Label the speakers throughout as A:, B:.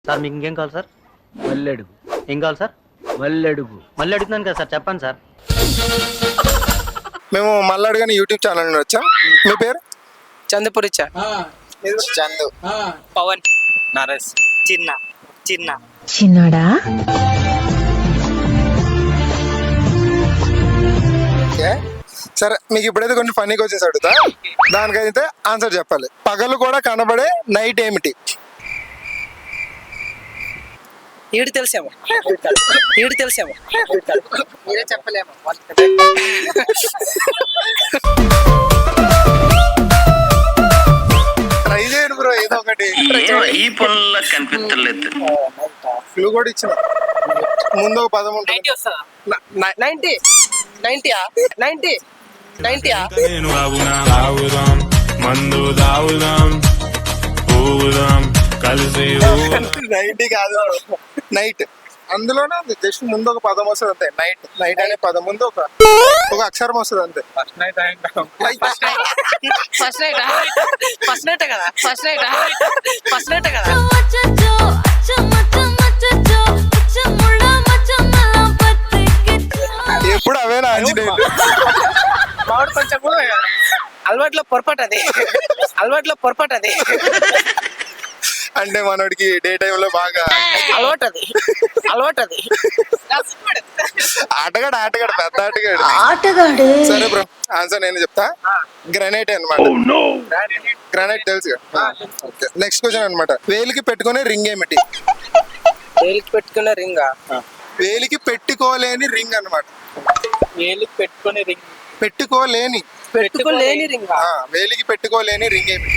A: Sir మీకు ఇంకేం కావాలి సార్?
B: మల్లెడుగు.
A: ఏం కావాలి సార్?
B: మల్లెడుగు.
A: మళ్ళీ అడుగుతున్నాను కదా సార్, చెప్పండి సార్.
C: మేము మల్లాడుగాని యూట్యూబ్ ఛానల్ నుండి వచ్చాం. మీ పేరు?
D: చందుపురిచ్చా.
C: చందు.
D: పవన్.
E: నరేష్.
F: చిన్నడా
C: ఓకే సరే, మీకు ఇప్పుడైతే కొన్ని ఫన్నీ క్వశ్చన్స్ అడుగుతా, దానికైతే ఆన్సర్ చెప్పాలి. పగలు కూడా కనబడే నైట్ ఏమిటి?
D: ఈడు తెలిసేమో మీరే చెప్పలేమో.
C: ట్రై చేయండి బ్రో, ఏదో ఒకటి.
E: ఈ పనుల్లో కనిపించలేదు.
C: క్లూ కూడా ఇచ్చిన ముందు ఒక పదం ఉంటుంది.
D: 90 వస్తుందా? 90
G: తాగుదాం మందు తాగుదాం ఊదాం కలిసి
C: 90 కాదు, నైట్. అందులోనే జస్ట్ ముందు ఒక పదం వస్తుంది అంతే. నైట్ నైట్ అనే పదం ముందు ఒక అక్షరం వస్తుంది అంతే.
D: ఫస్ట్ నైట్ కదా.
C: ఎప్పుడు అవేనా ఆంజనేయులు?
D: మామిడి కొంచెం అలవాట్లో పొరపాటు అది.
C: అంటే మనోడికి డే టైమ్ లో బాగా
D: అలవాటు అది.
C: ఆటగాడు పెద్ద ఆటగాడు.
F: ఆటగాడే.
C: సరే బ్రో, ఆన్సర్ నేను చెప్తా. గ్రనైట్ అన్నమాట. గ్రనైట్ తెలుసు. నెక్స్ట్ క్వశ్చన్ అన్నమాట. వేలికి పెట్టుకునే రింగ్ ఏమిటి?
D: వేలికి పెట్టుకున్న రింగా?
C: వేలికి పెట్టుకోలేని రింగ్ అన్నమాట.
D: వేలికి పెట్టుకునే రింగ్.
C: పెట్టుకోలేని
D: రింగా?
C: వేలికి పెట్టుకోలేని రింగ్ ఏమిటి?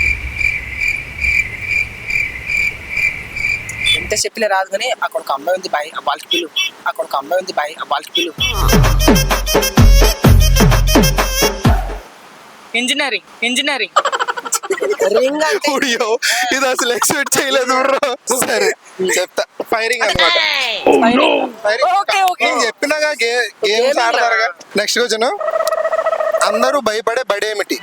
D: ఎంత చెప్పలే రాదు కానీ అక్కడ ఒక అమ్మాయి ఉంది బాయ్, ఆ వాళ్ళకి పిలు. ఇంజనీరింగ్ రింగ్ అంటే
C: ఊడియో, ఇది అసలు ఎక్స్పెక్ట్ చేయలేదు బ్రో. సరే చెప్తా. ఫైరింగ్ అన్నమాట. నేను చెప్పినాగా గేమ్స్ ఆడతారుగా. Next question. అందరూ భయపడే బడేమిటి?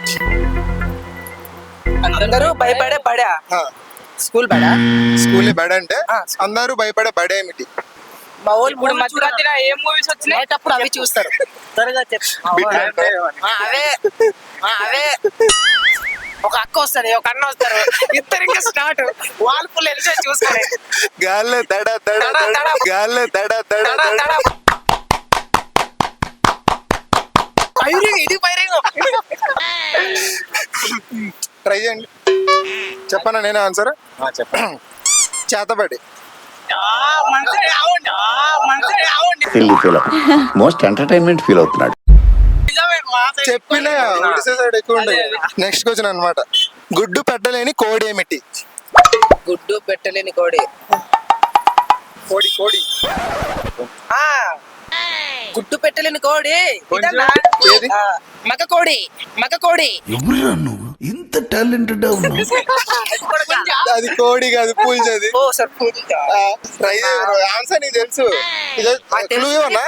D: అందరూ భయపడే బడా? స్కూల్ బడా?
C: స్కూల్ బడ అంటే అందరూ భయపడే బడేమిటి?
D: మా వాళ్ళు ఇప్పుడు మధ్యరాత్రి ఏ మూవీస్ వచ్చినాయి అప్పుడు అవి చూస్తారు. త్వరగా అవే ఒక అక్క వస్తారు, ఒక అన్న వస్తారు, ఇద్దరు ఇంకా స్టార్ట్. వాళ్ళు ఫుల్ ఎంజాయ్ చూస్తారు.
C: గాల్లే దడ దడ దడ, గాల్లే దడ దడ దడ.
D: ఇది ఫైరింగ్.
C: ట్రై చేయండి. చెప్పనా నేనే ఆన్సర్? చేతబడి.
H: మోస్ట్ ఎంటర్టైన్మెంట్ ఫీల్ అవుతున్నాడు.
C: చెప్పిన సైడ్ ఎక్కువ ఉండదు. నెక్స్ట్ క్వశ్చన్ అన్నమాట. గుడ్డు పెట్టలేని కోడి ఏమిటి?
D: గుడ్డు పెట్టలేని కోడి.
C: కోడి
D: గుడ్డు పెట్టలేని కోడి మగ కోడి.
H: ఎవరురా నువ్వు ఇంత టాలెంటెడ్ ఉన్నావు?
C: అది కోడి కాదు, పూల్చది.
D: ఓ సార్
C: ట్రై ఆన్సర్ నీకు తెలుసు. క్లూ ఇవ్వనా?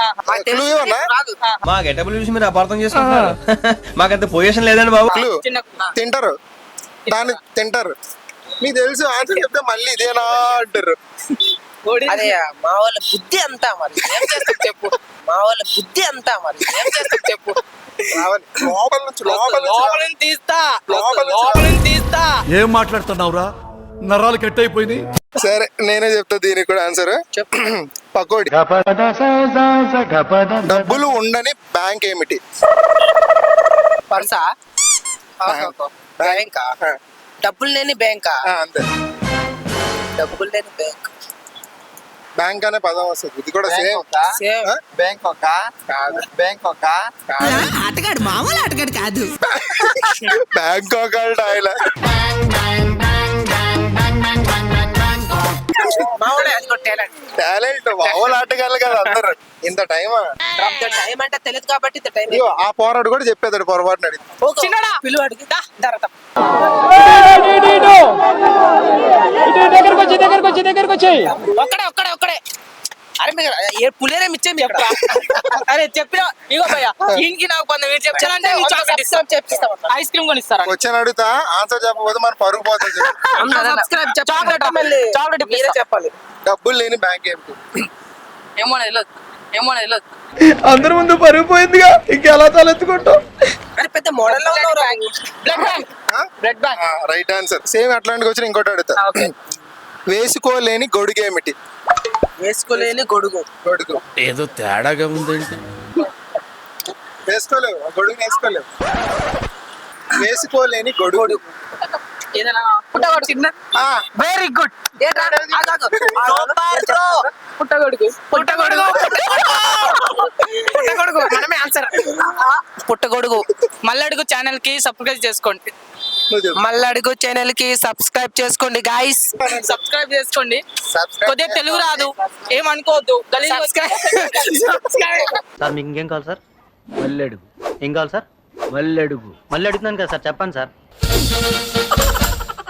A: మా గెటబుల్ చూసి మీరు అపార్థం చేసుకుంటున్నారు. మాకంత పొజిషన్ లేదండి బాబు.
C: క్లూ తింటారు, దాన్ని తింటారు. మీకు తెలుసు ఆన్సర్ చెప్తే మళ్ళీ ఇదేనా అంటారు.
D: అదే మా వాళ్ళ బుద్ధి అంతా మరి ఏం చేస్తాం చెప్పు. తీస్తా.
B: ఏం మాట్లాడుతున్నావురా? నరాలు కట్ అయిపోయింది.
C: సరే నేనే చెప్తా దీనికి కూడా ఆన్సర్. పకోడి. డబ్బులు ఉండని బ్యాంక్ ఏమిటి?
D: పర్సా? బ్యాంకా? డబ్బులు లేని బ్యాంకా?
C: అంతే.
D: డబ్బులు లేని బ్యాంక్.
C: బ్యాంక్ అనే పదం వస్తుంది. ఇది కూడా సేమ్.
F: ఆటగాడు మామూలు ఆటగాడు కాదు.
C: బ్యాంకాక్ ఆయన. టాలెంట్ మామూలు ఆటగాళ్ళు కదా అందరు. ఇంత టైమా?
D: టైం అంటే తెలియదు కాబట్టి ఇంత టైం.
C: ఆ పోరాడు కూడా చెప్పేదాడు పొరపాటున అడిగి.
D: పిలువ అడిగి ఒక్కడే అరే మీరు పులేరే మిచ్చేం చెప్పరా అరే చెప్పిన ఇగో భయ్యా దీనికి నాకు కొంత మీరు చెప్పాలంటే ఐస్ క్రీమ్ కొని ఇస్తారా
C: వచ్చాను అడుగుతా ఆన్సర్ చెప్పకపోతే మన పరుగు పోతుంది.
D: చాక్లెట్ మీరే చెప్పాలి.
C: డబ్బులు లేని బ్యాంక్ ఏంటి?
D: ఏమో తెలియదు
A: అందరి ముందు పరుగు పోయిందిగా ఇంకెలా తలెత్తుకుంటాం.
D: అరే పెద్ద మోడల్ లో ఉన్నావు. Blood bank
C: right answer. Same అట్లాంటికి వచ్చిన ఇంకోటి అడుగుతా. వేసుకోలేని గొడుగు ఏమిటి?
D: వేసుకోలేని గొడుగు
B: ఏదో తేడాగా ఉందండి.
C: వేసుకోలేవు, ఆ గొడుగుని వేసుకోలేవు. వేసుకోలేని గొడుగు.
D: ఏదైనా పుట్టగొడుగు. Very good. పుట్టగొడుగు మనమే ఆన్సర్. పుట్టగొడుగు. మల్లడుగు ఛానల్ కి సబ్స్క్రైబ్ చేసుకోండి. మల్లడుగు ఛానల్ కి సబ్స్క్రైబ్ చేసుకోండి గాయ్స్. సబ్స్క్రైబ్ చేసుకోండి. కొద్దిగా తెలుగు రాదు ఏమనుకోవద్దు.
I: సార్ మీకు ఇంకేం కావాలి సార్?
B: మల్లెడుగు.
I: ఏం కావాలి సార్?
B: మల్లెడుగు.
I: మళ్ళీ అడుగుతున్నాను కదా సార్, చెప్పండి సార్.